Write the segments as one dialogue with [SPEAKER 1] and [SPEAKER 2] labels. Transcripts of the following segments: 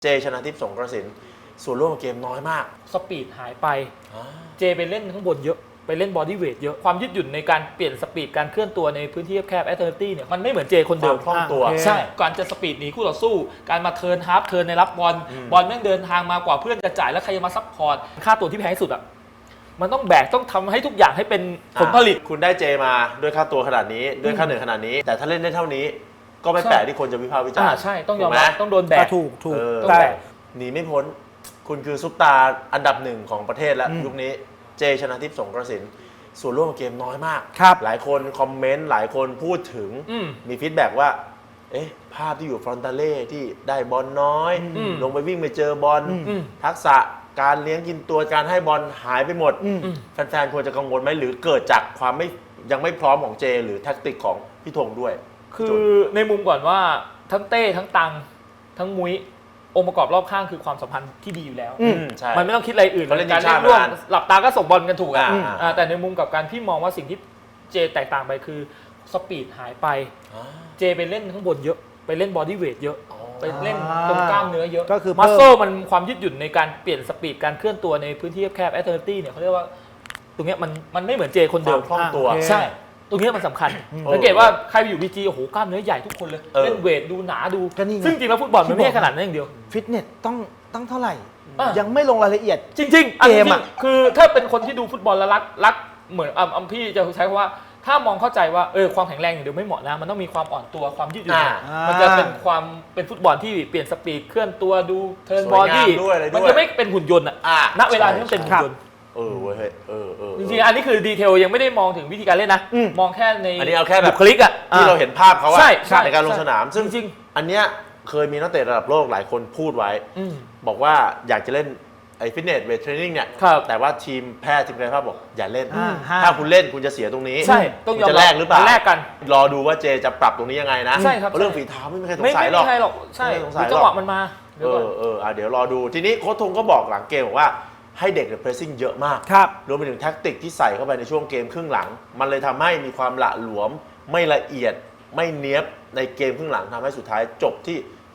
[SPEAKER 1] เจชนะทิพย์สงกระสินส่วนร่วมเกมน้อยมาก
[SPEAKER 2] สปีดหายไปเจไปเล่นข้างบนเยอะไปเล่นบอดี้เวทเยอะความยืดหยุ่นในการเปลี่ยนสปีดการเคลื่อนตัวในพื้นที่แคบแอตเลติกเนี่ยมันไม่เหมือนเจคนเดิม
[SPEAKER 1] คล่องตัว
[SPEAKER 2] ใช่การจะสปีดหนีคู่ต่อสู้การมาเทิร์นฮาร์ฟเทิร์นในรับบอลแม่งเดินทางมากว่าเพื่อนจะจ่ายแล้วใครจะมาซัพพอร์ตค่าตัวที่แพงที่สุดอ่ะมันต้องแบกต้องทำให้ทุกอย่างให้เป็นผลผลิต
[SPEAKER 1] คุณได้เจมาด้วยค่าตัวขนาดนี้ด้วยค่าเหนื่อยขนาดนี้แต่ถ้าเล่นได้เท่านี้ก็ไม่แปลกที่คนจะวิพากษ์วิจารณ์
[SPEAKER 2] ใช่ต้องยอมรับต้องโดนแบก
[SPEAKER 3] ถูก
[SPEAKER 1] แต่หนีไม่พ้นคุณคือซุปตาร์อันดับหนึ่งของประเทศแล้วยุคนี้เจชนะทิพย์สงกระสินส่วนร่วมเกมน้อยมากหลายคนคอมเมนต์หลายคนพูดถึงมีฟีดแบ็กว่าเอ๊ะภาพที่อยู่ฟรอนตาเล่ที่ได้บอลน้อยลงไปวิ่งไปเจอบอลทักษะการเลี้ยงกินตัวการให้บอลหายไปหมดแฟนๆควรจะกังวลไหมหรือเกิดจากความยังไม่พร้อมของเจหรือแท็กติกของพี่ธงด้วย
[SPEAKER 2] คือในมุมก่อนว่าทั้งเต้ทั้งตังทั้งมุ้ยองค์ประกอบรอบข้างคือความสัมพันธ์ที่ดีอยู่แล้วมันไม่ต้องคิดอะไรอื่นการเล่นร่วมหลับตาก็ส่งบอลกันถูกแต่ในมุมกับการพี่มองว่าสิ่งที่เจแตกต่างไปคือสปีดหายไปเจไปเล่นข้างบนเยอะไปเล่นบอดี้เวทเยอะไปเล่นตรงกล้ามเนื้อเยอะ
[SPEAKER 3] ก็คือ
[SPEAKER 2] มัสโซมันความยืดหยุ่นในการเปลี่ยนสปีดการเคลื่อนตัวในพื้นที่แคบแอตเลติกเนี่ยเขาเรียกว่าตรงนี้มันไม่เหมือนเจคนเดิม
[SPEAKER 1] คล่องตัว
[SPEAKER 2] ใช่ตรงนี้มันสำคัญสังเกตว่าใครไปอยู่บีจีโอ้โหกล้ามเนื้อใหญ่ทุกคนเลยเล่นเวทดูหนาดูซึ่งจริงแล้วฟุตบอลมันไม่ใช่ขนาดนั้นอย่างเดียว
[SPEAKER 3] ฟิตเนสต้องเท่าไหร่ยังไม่ลงรายละเอียด
[SPEAKER 2] จริงๆเกมอ่ะคือถ้าเป็นคนที่ดูฟุตบอลแล้วรักเหมือนพี่จะใช้คำว่าถ้ามองเข้าใจว่าความแข็งแรงอย่างเดียวไม่เหมาะนะมันต้องมีความอ่อนตัวความยืดหยุ่นมันจะเป็นฟุตบอลที่เปลี่ยนสปีดเคลื่อนตัวดูเทิร์นบอดี้มันจะไม่เป็นหุ่นยนต์อ่ะณเวลาที่มันเป็นหุ่นยนต์จริงๆอันนี้คือดีเทลยังไม่ได้มองถึงวิธีการเล่นนะมองแค่ใน
[SPEAKER 1] อันนี้เอาแค่แบบ
[SPEAKER 2] บุคลิกอ่ะ
[SPEAKER 1] ที่เราเห็นภาพเขาในการลงสนามซึ่ง
[SPEAKER 2] จริง
[SPEAKER 1] อันเนี้ยเคยมีนักเตะระดับโลกหลายคนพูดไว้บอกว่าอยากจะเล่นไอ้ฟิตเนสเวทเทรนนิ่งเนี่ยแต่ว่าทีมแพทย์ทีมกายภาพบอกอย่าเล่นถ้าคุณเล่นคุณจะเสียตรงนี้
[SPEAKER 2] ใช่ต้องยอม
[SPEAKER 1] จะแลกหรือเปล่า
[SPEAKER 2] แลกกัน
[SPEAKER 1] รอดูว่าเจจะปรับตรงนี้ยังไงนะ
[SPEAKER 2] ใช่ครับ
[SPEAKER 1] เรื่องฝีเท้าไม่มีใครสงสัยหรอก
[SPEAKER 2] ใช่จังหวะมันมา
[SPEAKER 1] เดี๋ยวรอดูทีนี้โค้ชธงก็บอกหลังเกมบอกว่าให้เด็กเพรสซิ่งเยอะมากรวมไปถึงแท็กติกที่ใส่เข้าไปในช่วงเกมครึ่งหลังมันเลยทำให้มีความหละหลวมไม่ละเอียดไม่เนี๊ยบในเกมครึ่งหลังทำให้สุดท้ายจบที่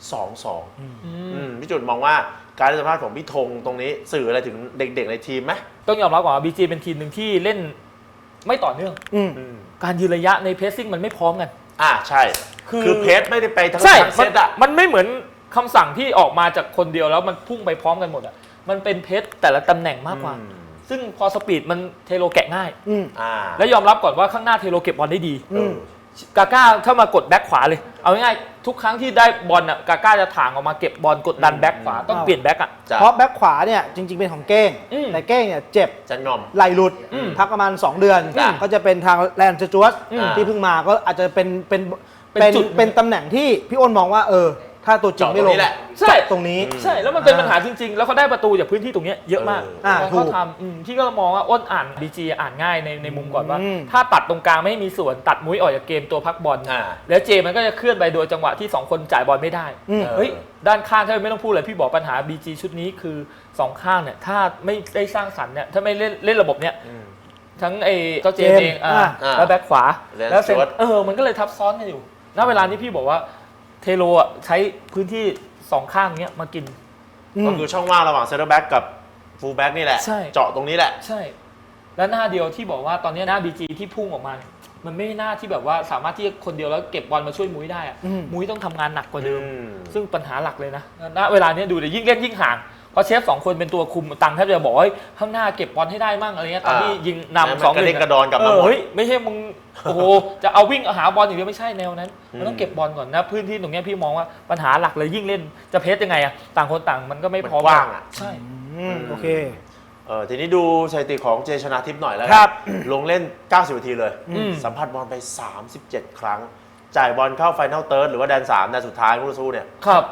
[SPEAKER 1] 2-2 พี่จุดมองว่าการสัมภาษณ์ของพี่ธงตรงนี้สื่ออะไรถึงเด็กๆในทีมไหม
[SPEAKER 2] ต้องยอมรับก่อนว่าบีจีเป็นทีมหนึ่งที่เล่นไม่ต่อเนื่องการยืนระยะในเพรสซิ่งมันไม่พร้อมกัน
[SPEAKER 1] ใช่คือเพสไม่ได้ไปทั้งเซต
[SPEAKER 2] มันไม่เหมือนคำสั่งที่ออกมาจากคนเดียวแล้วมันพุ่งไปพร้อมกันหมดอ่ะมันเป็นเพสแต่ละตำแหน่งมากกว่าซึ่งพอสปีดมันเทโลแกะง่ายและยอมรับก่อนว่าข้างหน้าเทโลเก็บบอลได้ดีกาก้าถ้ามากดแบ็คขวาเลยเอาง่ายๆทุกครั้งที่ได้บอลอ่ะกาก้าจะถ่างออกมาเก็บบอลกดดันแบ็คขวาต้องเปลี่ยนแบ็คอ่ะ
[SPEAKER 3] เพราะแบ็คขวาเนี่ยจริงๆเป็นของเก้งแต่เก้งเนี่ยเจ็บ
[SPEAKER 1] จะงอม
[SPEAKER 3] ไหลหลุดพักประมาณ2 เดือนก็จะเป็นทางแลนด์จวตที่เพิ่งมาก็อาจจะเป็นตำแหน่งที่พี่อ้นมองว่าถ้าตัวจริงไม่ลง
[SPEAKER 2] ใช่
[SPEAKER 3] ตรงนี้
[SPEAKER 2] ใช่แล้วมันเป็นปัญหาจริงๆแล้วเขาได้ประตูจากพื้นที่ตรงนี้เยอะมากเขาทำที่ก็มองว่าอ้นอ่านบีจีอ่านง่ายในมุมก่อนว่าถ้าตัดตรงกลางไม่มีส่วนตัดมุ้ยออกจากเกมตัวพักบอลแล้วเจมันก็จะเคลื่อนไปโดยจังหวะที่2คนจ่ายบอลไม่ได้เฮ้ยด้านข้างถ้าไม่ต้องพูดเลยพี่บอกปัญหาบีจีชุดนี้คือ2ข้างเนี่ยถ้าไม่ได้สร้างสรรค์เนี่ยถ้าไม่เล่นระบบเนี่ยทั้งเจ้าเจมเองแล้วแบ็คขวาแล้วเซนมันก็เลยทับซ้อนกันอยู่ณเวลานี้พี่บอกว่าเทโลใช้พื้นที่2ข้างเนี้ยมากิน
[SPEAKER 1] ก็คือช่องว่างระหว่างเซนเตอร์แบ็กกับฟูลแบ็กนี่แหละเจาะตรงนี้แหละ
[SPEAKER 2] ใช่แล้วหน้าเดียวที่บอกว่าตอนนี้หน้าบีจีที่พุ่งออกมามันไม่หน้าที่แบบว่าสามารถที่คนเดียวแล้วเก็บบอลมาช่วยมุ้ยได้มุ้ยต้องทำงานหนักกว่าเดิมซึ่งปัญหาหลักเลยนะณเวลานี้ดูเลยยิ่งเล่นยิ่งห่างเพราะเชฟ2คนเป็นตัวคุมตังแทบจะบอกว่าข้างหน้าเก็บบอลให้ได้มั่งอะไรเงี้ยตอนที่ยิงนำ2-1
[SPEAKER 1] กระเด้งกระดอนกลับมา
[SPEAKER 2] เฮ้ยไม่ใช่มึงโอ้โหจะเอาวิ่งหาบอลอย่างเดียวไม่ใช่แนวนั้นมันต้องเก็บบอลก่อนนะพื้นที่ตรงนี้พี่มองว่าปัญหาหลักเลยยิ่งเล่นจะเพสยังไงอะต่างคนต่างมันก็ไม่พอ
[SPEAKER 1] ว่าง
[SPEAKER 2] ใช่
[SPEAKER 3] โอเค
[SPEAKER 1] ทีนี้ดูสถิติของเจชนะทิพย์หน่อยแล้วครับลงเล่น90 นาทีเลยสัมผัสบอลไป37 ครั้งจ่ายบอลเข้าไฟนอลเติร์ดหรือว่าแดน3แดนสุดท้ายคู่ต่อสู้เนี่ย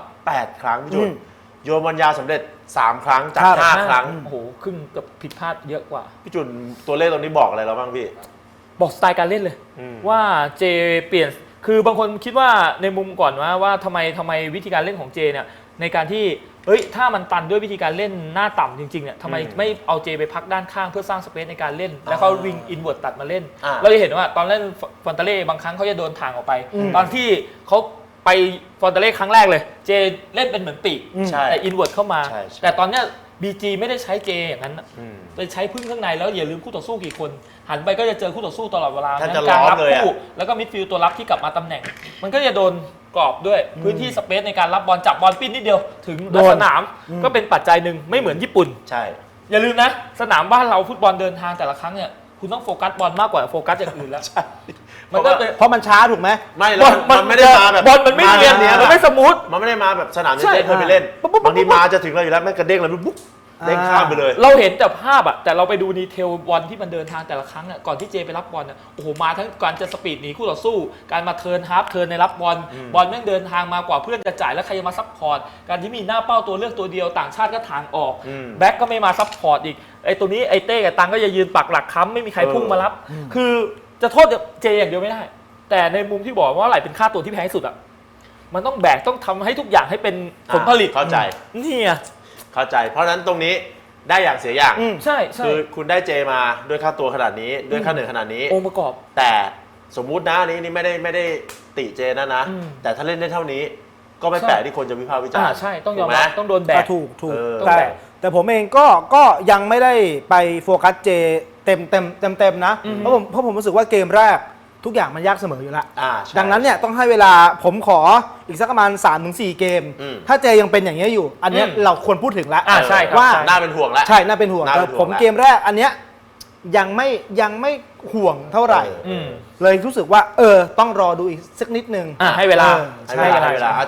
[SPEAKER 1] 8 ครั้งพี่จุดโยนบอลยาวสำเร็จ3 ครั้งจาก5 ครั้ง
[SPEAKER 2] โอ้โหครึ่งกับผิดพลาดเยอะกว่า
[SPEAKER 1] พี่จุนตัวเลขตรงนี้บอกอะไรเราบ้างพี่
[SPEAKER 2] บอกสไตล์การเล่นเลยว่าเจเปลี่ยนคือบางคนคิดว่าในมุมก่อนว่าทำไมวิธีการเล่นของเจเนี่ยในการที่ถ้ามันตันด้วยวิธีการเล่นหน้าต่ำจริงๆเนี่ยทำไมไม่เอาเจไปพักด้านข้างเพื่อสร้างสเปซในการเล่นแล้วเขาวิ่งอินเวิร์ตตัดมาเล่นเราจะเห็นว่าตอนเล่นฟอนตาเล่บางครั้งเขาจะโดนทางออกไปตอนที่เขาไปฟอนเตเล่ครั้งแรกเลยเจเล่นเป็นเหมือนปีก
[SPEAKER 1] ใช่
[SPEAKER 2] แต่อินเวิร์ดเข้ามา
[SPEAKER 1] ใช่
[SPEAKER 2] แต่ตอนเนี้ยBG ไม่ได้ใช้เจอย่างนั้นนะ
[SPEAKER 1] อืม
[SPEAKER 2] ไปใช้พึ่งข้างในแล้วอย่าลืมคู่ต่อสู้กี่คน หันไปก็จะเจอคู่ต่อสู้ตลอดเวลา
[SPEAKER 1] แทบจะ
[SPEAKER 2] กลาง
[SPEAKER 1] ล้อม
[SPEAKER 2] รับ
[SPEAKER 1] เลยอะ
[SPEAKER 2] คู่แล้วก็มิดฟิลด์ตัวรับที่กลับมาตำแหน่ง มันก็จะโดนกรอบด้วยพื้นที่สเปซในการรับบอลจับบอลปิ้นนิดเดียวถึง
[SPEAKER 3] โดน
[SPEAKER 2] สนามก็เป็นปัจจัยหนึ่งไม่เหมือนญี่ปุ่น
[SPEAKER 1] ใช่
[SPEAKER 2] อย่าลืมนะสนามบ้านเราฟุตบอลเดินทางแต่ละครั้งเนี่ยคุณต้องโฟกัสบอลมากกว่าโฟกัสอย่างอื่นแล้วมันก็เป็น
[SPEAKER 3] เพราะมันช้าถูกไหม
[SPEAKER 1] ไม่แล้วมันไม่ได้มาแบบ
[SPEAKER 2] บอลมันไม่เรียน
[SPEAKER 1] เนี้ย
[SPEAKER 2] มันไม่สมูท
[SPEAKER 1] มันไม่ได้มาแบบสนาม
[SPEAKER 2] ใช่
[SPEAKER 1] ที่เจ๊เคยไปเล่น
[SPEAKER 3] ปุ๊บปุ๊บปุ๊บ
[SPEAKER 1] บางทีมาจะถึงเราอยู่แล้วแม่งกระเด้งแล้วปุ๊บเด้งข้ามไปเลย
[SPEAKER 2] เราเห็นแต่ภาพอะแต่เราไปดูดีเทลบอลที่มันเดินทางแต่ละครั้งอะก่อนที่เจไปรับบอลอะโอ้โหมาทั้งการจะสปีดหนีคู่ต่อสู้ การมาเทิร์นฮาร์ฟเทิร์นในรับบอลบอลแม่งเดินทางมากว่าเพื่อนจะจ่ายแล้วใครจะมาซัพพอร์ตการที่มีหน้าเป้าตัวเลือกตัวเดียวต่างชาติก็ทางออกแบ็คก็ไม่มาซัพพอร์ตอีกไอ้ตัวนี้ไอ้เต้กับตังก็จะยืนปักหลักค้ำไม่มีใครพุ่งมารับ คือจะโทษเจอย่างเดียวไม่ได้ แต่ในมุมที่บอกว่าอะไรเป็นค่าตัวที่แพงที่สุดอะมันต้องแบกต้องทำให้ทุกอย่างให้เป็นผลผลิต
[SPEAKER 1] เข้าใจ
[SPEAKER 2] เนี่ย
[SPEAKER 1] เข้าใจ เพราะฉะนั้นตรงนี้ได้อย่างเสียอย่าง
[SPEAKER 2] ใช่ใช่
[SPEAKER 1] คือคุณได้เจมาด้วยค่าตัวขนาดนี้ด้วยค่าเหนื่อยขนาดนี้
[SPEAKER 2] องค์ประกอบ
[SPEAKER 1] แต่สมมุตินะอันนี้ไม่ได้ติเจนะ
[SPEAKER 2] อืม
[SPEAKER 1] แต่ถ้าเล่นได้เท่านี้ ก็ไม่
[SPEAKER 2] ใช่
[SPEAKER 1] แปลกที่คนจะวิพากษ์วิจารณ์
[SPEAKER 2] ใช่ต้องยอม
[SPEAKER 1] ถูกไห
[SPEAKER 2] รับต้องโดนแบก
[SPEAKER 3] ถูก
[SPEAKER 1] เออ
[SPEAKER 3] แต่
[SPEAKER 2] ต้องแบก
[SPEAKER 3] แต่ผมเองก็ยังไม่ได้ไปโฟกัสเจเต็มนะ เพราะผมรู้สึกว่าเกมแรกทุกอย่างมันยากเสมออยู่แล้ว
[SPEAKER 1] ใช่
[SPEAKER 3] ดังนั้นเนี่ยต้องให้เวลาผมขออีกสักประมาณ 3-4 เกม
[SPEAKER 1] อืม
[SPEAKER 3] ถ้าเจยังเป็นอย่างนี้ยอยู่ อันเนี้ย
[SPEAKER 2] อืม
[SPEAKER 3] เราควรพูดถึงแล้ว
[SPEAKER 2] ใช่ครับ
[SPEAKER 3] ว่า
[SPEAKER 2] ใช่
[SPEAKER 1] น่าเป็นห่วงแล้ว
[SPEAKER 3] ใช่น่าเป็นห่วง
[SPEAKER 1] น่า
[SPEAKER 3] แต่
[SPEAKER 1] เป็นห่วง
[SPEAKER 3] ผม
[SPEAKER 1] แล้ว
[SPEAKER 3] เกมแรกอันเนี้ยยังไม่ห่วงเท่าไหร่
[SPEAKER 1] เออ
[SPEAKER 3] เลยรู้สึกว่าต้องรอดูอีกสักนิดนึง
[SPEAKER 2] ให้เวลา
[SPEAKER 3] ใช่
[SPEAKER 1] ให้เวลา